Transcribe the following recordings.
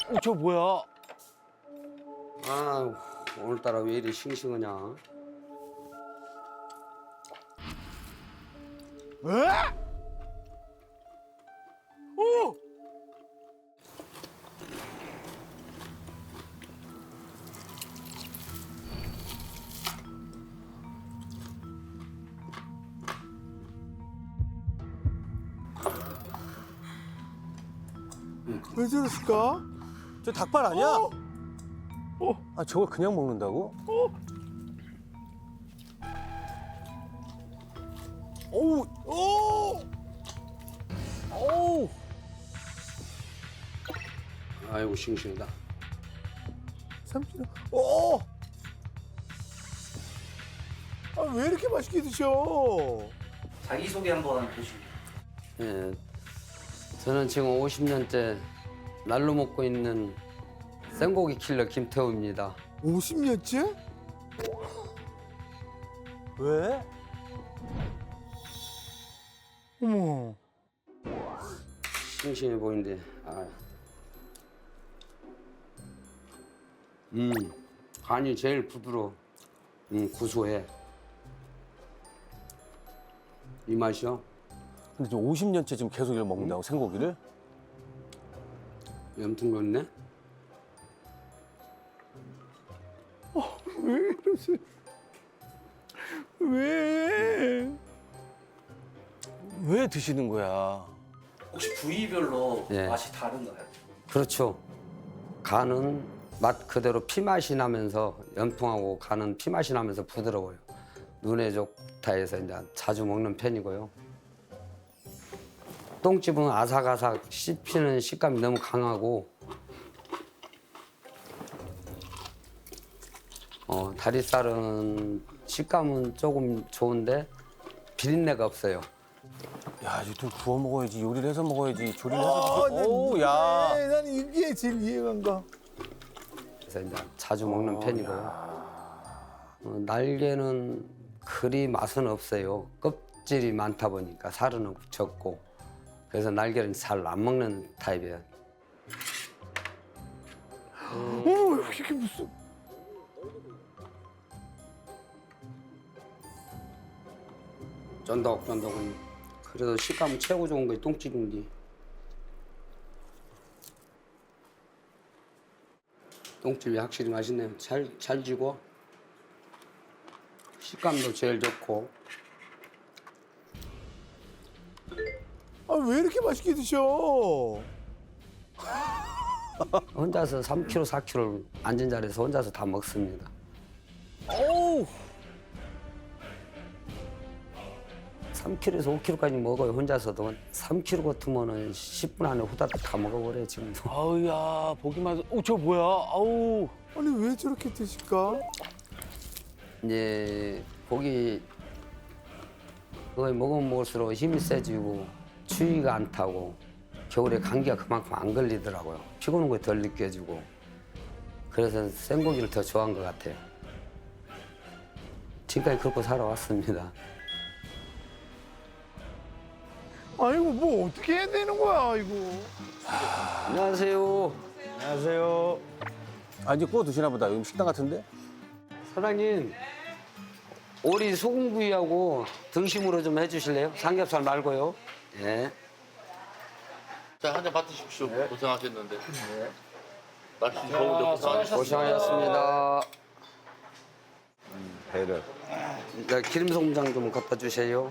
저 뭐야? 아, 오늘따라 왜 이리 싱싱하냐? 에? 오! 왜 저랬을까? 저 닭발 아니야? 아 저걸 그냥 먹는다고? 오우! 오! 오우! 아이고 싱싱하다. 삼촌, 오! 아, 왜 이렇게 맛있게 드셔? 자기소개 한번 해주시죠. 예, 저는 지금 50년째 날로 먹고 있는 생고기 킬러 김태우입니다. 50년째? 왜? 어머. 싱싱해 보이는데. 아. 간이 제일 부드러워. 구수해. 이 맛이요? 근데 지금 50년째 지금 계속 이걸 먹는다고 생고기를? 염통 넣네? 왜 이러세요? 왜? 왜 드시는 거야? 혹시 부위별로 예. 맛이 다른가요? 그렇죠. 간은 맛 그대로 피맛이 나면서 염통하고 간은 피맛이 나면서 부드러워요. 눈에 좋다 해서 이제 자주 먹는 편이고요. 똥집은 아삭아삭 씹히는 식감이 너무 강하고 다리살은 식감은 조금 좋은데 비린내가 없어요. 야 이거 좀 구워 먹어야지, 요리를 해서 먹어야지, 조리를 아, 해서 난 오, 야. 난 이게 제일 이해가 안 가. 그래서 이제 자주 먹는 편이고요. 날개는 그리 맛은 없어요. 껍질이 많다 보니까 살은 적고 그래서 날개는 잘 안 먹는 타입이에요. 어머, 이렇게 무슨. 쫀득쫀득은 그래도 식감은 최고 좋은 게 똥집인데 똥집이 확실히 맛있네요. 잘 지고 식감도 제일 좋고. 아, 왜 이렇게 맛있게 드셔? 혼자서 3kg, 4kg 앉은 자리에서 혼자서 다 먹습니다. 어우. 3kg에서 5kg까지 먹어요. 혼자서도 3kg 같으면은 10분 안에 후다닥 다 먹어버려요 지금도. 아우야, 보기만 해도. 저 뭐야? 아우. 아니, 왜 저렇게 드실까? 이제 고기 그거 먹으면 먹을수록 힘이 세지고 추위가 안 타고 겨울에 감기가 그만큼 안 걸리더라고요. 피곤한 거 덜 느껴지고 그래서 생고기를 더 좋아한 것 같아요. 지금까지 그렇게 살아왔습니다. 아이고, 뭐 어떻게 해야 되는 거야, 이거. 안녕하세요. 안녕하세요. 아 이제 구워 드시나 보다. 여기 식당 같은데? 사장님, 오리 소금구이하고 등심으로 좀 해주실래요? 삼겹살 말고요. 예. 자, 한 잔 받으십시오. 고생하셨는데. 날씨 더운데 고생하셨습니다. 고생하셨습니다. 배를. 네, 기름송장 좀 갖다 주세요.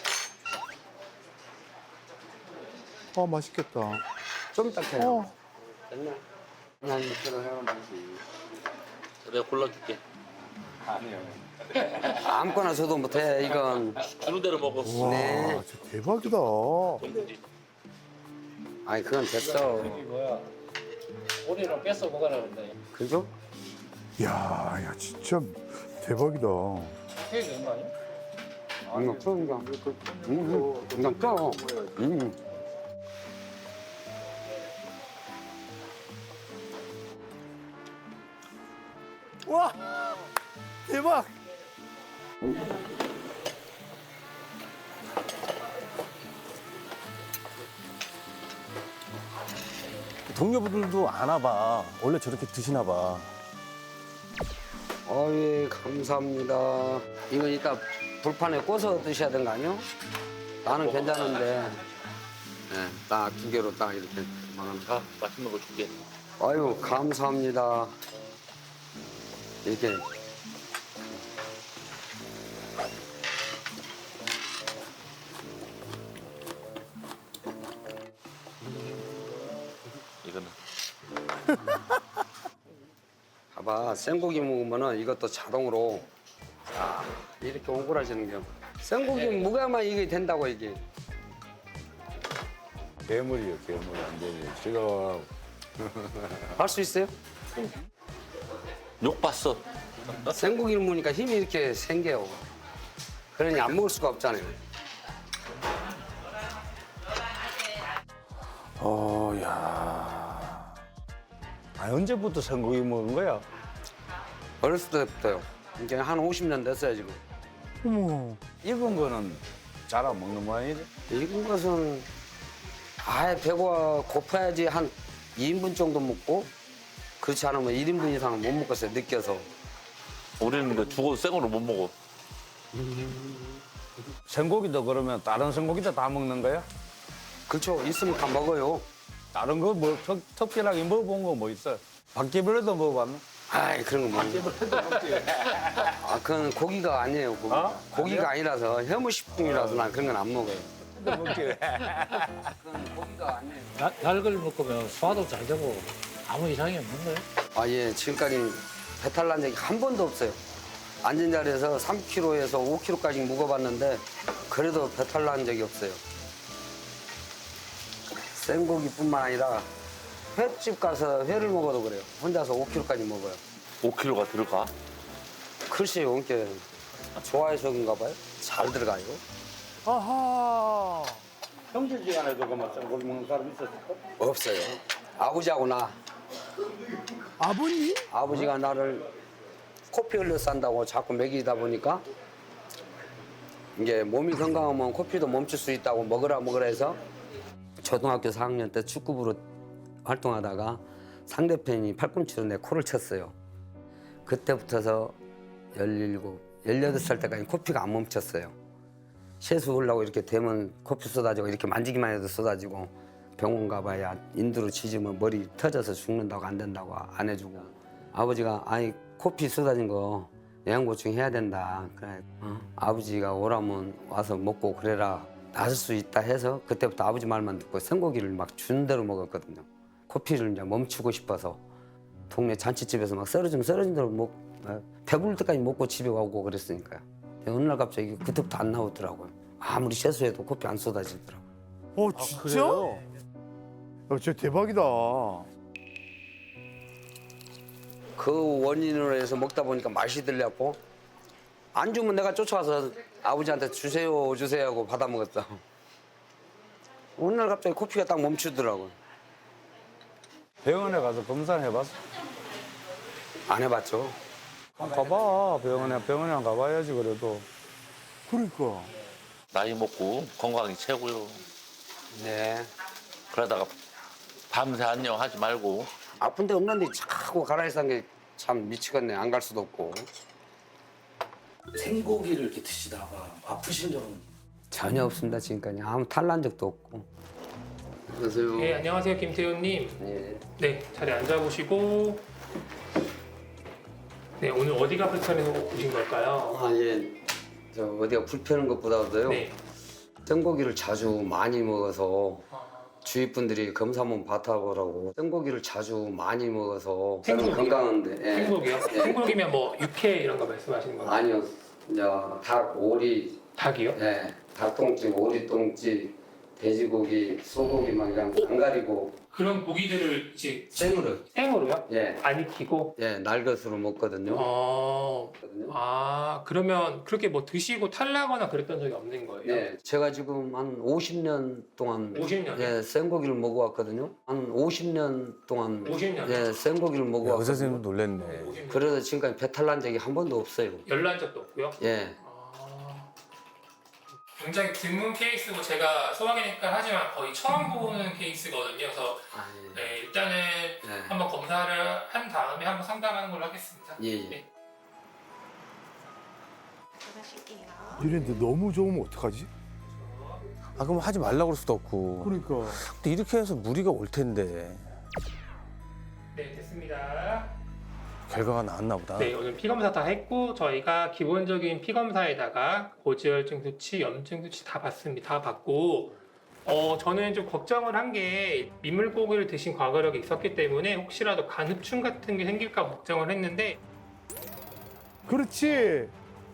아, 맛있겠다. 좀 이따 해요. 어. 됐네. 한 2kg 해요. 내가 골라줄게. 아무거나 줘도 못해. 이건. 주는 대로 먹어. 와, 네. 진짜 대박이다. 아니 그건 됐어. 오리는 뺏어 먹으라 그런다. 그죠? 야, 진짜 대박이다. 케이크 얼마 아니야? 이거 쪄 이거. 이거 쪄. 와, 대박. 동료분들도 아나 봐. 원래 저렇게 드시나 봐. 예, 감사합니다. 이건 이따 불판에 꽂아서 드셔야 되는 거 아니요? 나는 괜찮은데. 네, 딱 2개로 딱 이렇게 만원. 자, 맛있는 거 줄게. 아유, 감사합니다. 이렇게. 이거는. 봐봐, 생고기 먹으면은 이것도 자동으로 자, 이렇게 오그라지는 겨. 생고기 무게만 이게 된다고 이게. 괴물이요, 괴물. 완전히. 제가 할 수 있어요? 욕 봤어. 생고기를 먹으니까 힘이 이렇게 생겨요. 그러니 안 먹을 수가 없잖아요. 야. 아, 언제부터 생고기 먹은 거야? 어렸을 때부터요. 이제 한 50년 됐어요, 지금. 익은 거는 잘 안 먹는 모양이지? 익은 것은 아예 배가 고파야지 한 2인분 정도 먹고 그렇지 않으면 1인분 이상은 못 먹겠어요, 느껴서. 우리는 근데 죽어도 생으로 못 먹어. 생고기도 그러면 다른 생고기도 다 먹는 거야? 그렇죠. 있으면 다 먹어요. 다른 거 뭐 특별하게 먹어본 거 뭐 있어? 바퀴벌레도 먹어봤나? 아이, 그런 거 먹는 아, 그건 고기가 아니에요, 고기. 어? 고기가 아니라서 혐오식품이라서 난 그런 건 안 먹어요. 먹기래. 그건 고기가 아니에요. 날걸 먹으면 소화도 잘 되고 아무 이상이 없는 거예요? 아, 예, 지금까지 배탈 난 적이 한 번도 없어요. 앉은 자리에서 3kg에서 5kg까지 묵어봤는데 그래도 배탈 난 적이 없어요. 생고기뿐만 아니라 횟집 가서 회를 먹어도 그래요. 혼자서 5kg까지 먹어요. 5kg가 들어가? 글쎄요, 이게 좋아해서인가 봐요. 잘 들어가요. 아하. 형제지간에도 그만 생고기 먹는 사람 있었을까? 없어요. 아버지하고 나. 아버님? 아버지가 나를 코피 흘려 산다고 자꾸 먹이다 보니까 이게 몸이 건강하면 코피도 멈출 수 있다고 먹으라 해서 초등학교 4학년 때 축구부로 활동하다가 상대편이 팔꿈치로 내 코를 쳤어요. 그때부터서 17, 18살 때까지 코피가 안 멈췄어요. 세수하려고 이렇게 되면 코피 쏟아지고 이렇게 만지기만 해도 쏟아지고 병원 가봐야 인두로 치지면 머리 터져서 죽는다고 안 된다고 안 해주고 아버지가 아니 코피 쏟아진 거 영양보충 해야 된다. 그래 아버지가 오라면 와서 먹고 그래라 나을 수 있다 해서 그때부터 아버지 말만 듣고 생고기를 막 준 대로 먹었거든요. 코피를 이제 멈추고 싶어서 동네 잔치집에서 막 쓰러진 대로 배부를 때까지 먹고 집에 오고 그랬으니까요. 어느 날 갑자기 그때부터 안 나오더라고요. 아무리 세수해도 코피 안 쏟아지더라고요. 진짜? 그래요? 야, 진짜 대박이다. 그 원인으로 해서 먹다 보니까 맛이 들렸고 안 주면 내가 쫓아와서 아버지한테 주세요 하고 받아 먹었어. 어느 날 갑자기 코피가 딱 멈추더라고요. 병원에 가서 검사를 해봤어? 안 해봤죠. 가봐. 병원에 안 가봐야지 그래도. 그러니까. 나이 먹고 건강이 최고요. 네. 그러다가 밤새 안녕 하지 말고. 아픈 데 없는데 자꾸 가라앉은 게 참 미치겠네. 안 갈 수도 없고. 생고기를 이렇게 드시다가 아프신 적은? 전혀 없습니다. 지금까지 아무 탈난 적도 없고. 안녕하세요. 네, 안녕하세요, 김태훈님. 네. 네, 자리에 앉아보시고. 네, 오늘 어디가 불편해서 오신 걸까요? 아, 예. 저 어디가 불편한 것보다도요. 네. 생고기를 자주 많이 먹어서 주위 분들이 검사 한번 받아보라고 생고기를 자주 많이 먹어서 저는 생고기요? 건강한데. 예. 생고기요? 생고기면 뭐 육회 이런 거 말씀하시는 건가요? 아니요. 이제 닭, 오리, 닭이요? 예. 닭똥집, 오리똥집, 돼지고기, 소고기 막 이런 거 안 가리고 그런 고기들을 이제 생으로. 생으로요? 예. 안 익히고? 예, 날것으로 먹거든요. 그러면 그렇게 뭐 드시고 탈나거나 그랬던 적이 없는 거예요? 예, 제가 지금 한 50년 동안 50년? 예, 생고기를 먹어왔거든요. 한 50년 동안 50년? 예, 생고기를 의사 먹어왔거든요. 선생님도 놀랬네. 그래서 지금까지 배탈 난 적이 한 번도 없어요. 열난 적도 없고요? 예. 굉장히 드문 케이스고 제가 소화기내과 하지만 거의 처음 보는 케이스거든요. 그래서 아, 예. 네, 일단은 한 다음에 한번 상담하는 걸로 하겠습니다. 예, 예. 네. 이랬는데 너무 좋으면 어떡하지? 아 그럼 하지 말라고 그럴 수도 없고. 그러니까. 근데 이렇게 해서 무리가 올 텐데 네, 됐습니다. 결과가 나왔나 보다. 네, 오늘 피검사 다 했고 저희가 기본적인 피검사에다가 고지혈증 수치, 염증 수치 다 봤습니다. 다 봤고 저는 좀 걱정을 한 게 민물고기를 드신 과거력이 있었기 때문에 혹시라도 간흡충 같은 게 생길까 걱정을 했는데 그렇지.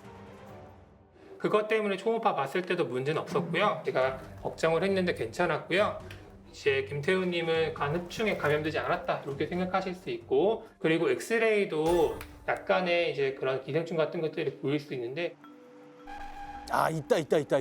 그것 때문에 초음파 봤을 때도 문제는 없었고요. 제가 걱정을 했는데 괜찮았고요. 이제 김태우님은 간흡충에 감염되지 않았다 이렇게 생각하실 수 있고, 그리고 엑스레이도 약간의 이제 그런 기생충 같은 것들이 보일 수 있는데 아 있다.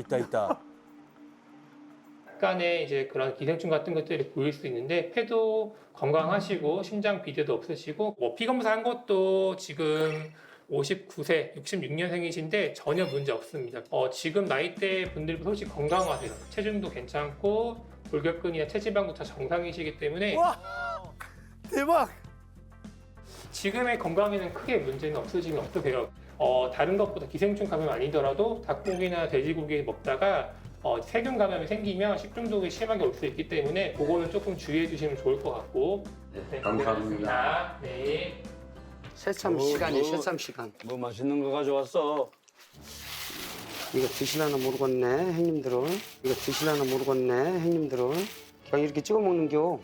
약간의 이제 그런 기생충 같은 것들이 보일 수 있는데 폐도 건강하시고 심장 비대도 없으시고 피 검사한 것도 지금 59세, 66년생이신데 전혀 문제 없습니다. 지금 나이대 분들도 솔직히 건강하세요. 체중도 괜찮고 골격근이나 체지방도 다 정상이시기 때문에 와 대박. 지금의 건강에는 크게 문제는 없으시면 어떠세요? 다른 것보다 기생충 감염 아니더라도 닭고기나 돼지고기 먹다가 세균 감염이 생기면 식중독이 심하게 올 수 있기 때문에 그거는 조금 주의해 주시면 좋을 것 같고. 네, 감사합니다. 네. 새참 시간이 새참 시간. 뭐 맛있는 거 가져왔어. 이거 드시려나 모르겠네, 형님들은. 이거 드시려나 모르겠네, 형님들은. 그냥 이렇게 찍어 먹는겨.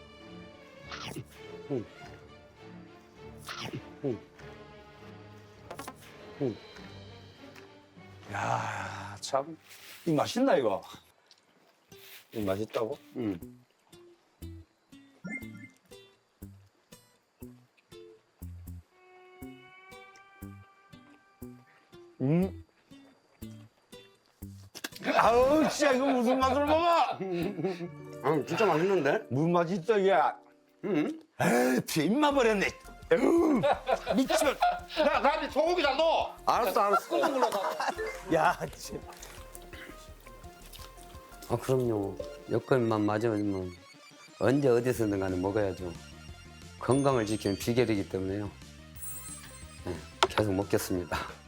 야, 참. 이 맛있나 이거? 이 맛있다고? 아우, 진짜 이거 무슨 맛으로 먹어? 아, 진짜 맛있는데? 무슨 맛이 있어 이게? 에이, 입맛 버렸네. 에휴, 미치면. 야, 나한테 소고기 다 넣어. 알았어. 야 진짜. 그럼요. 여건만 맞으면 언제 어디서든 간에 먹어야죠. 건강을 지키는 비결이기 때문에요. 네, 계속 먹겠습니다.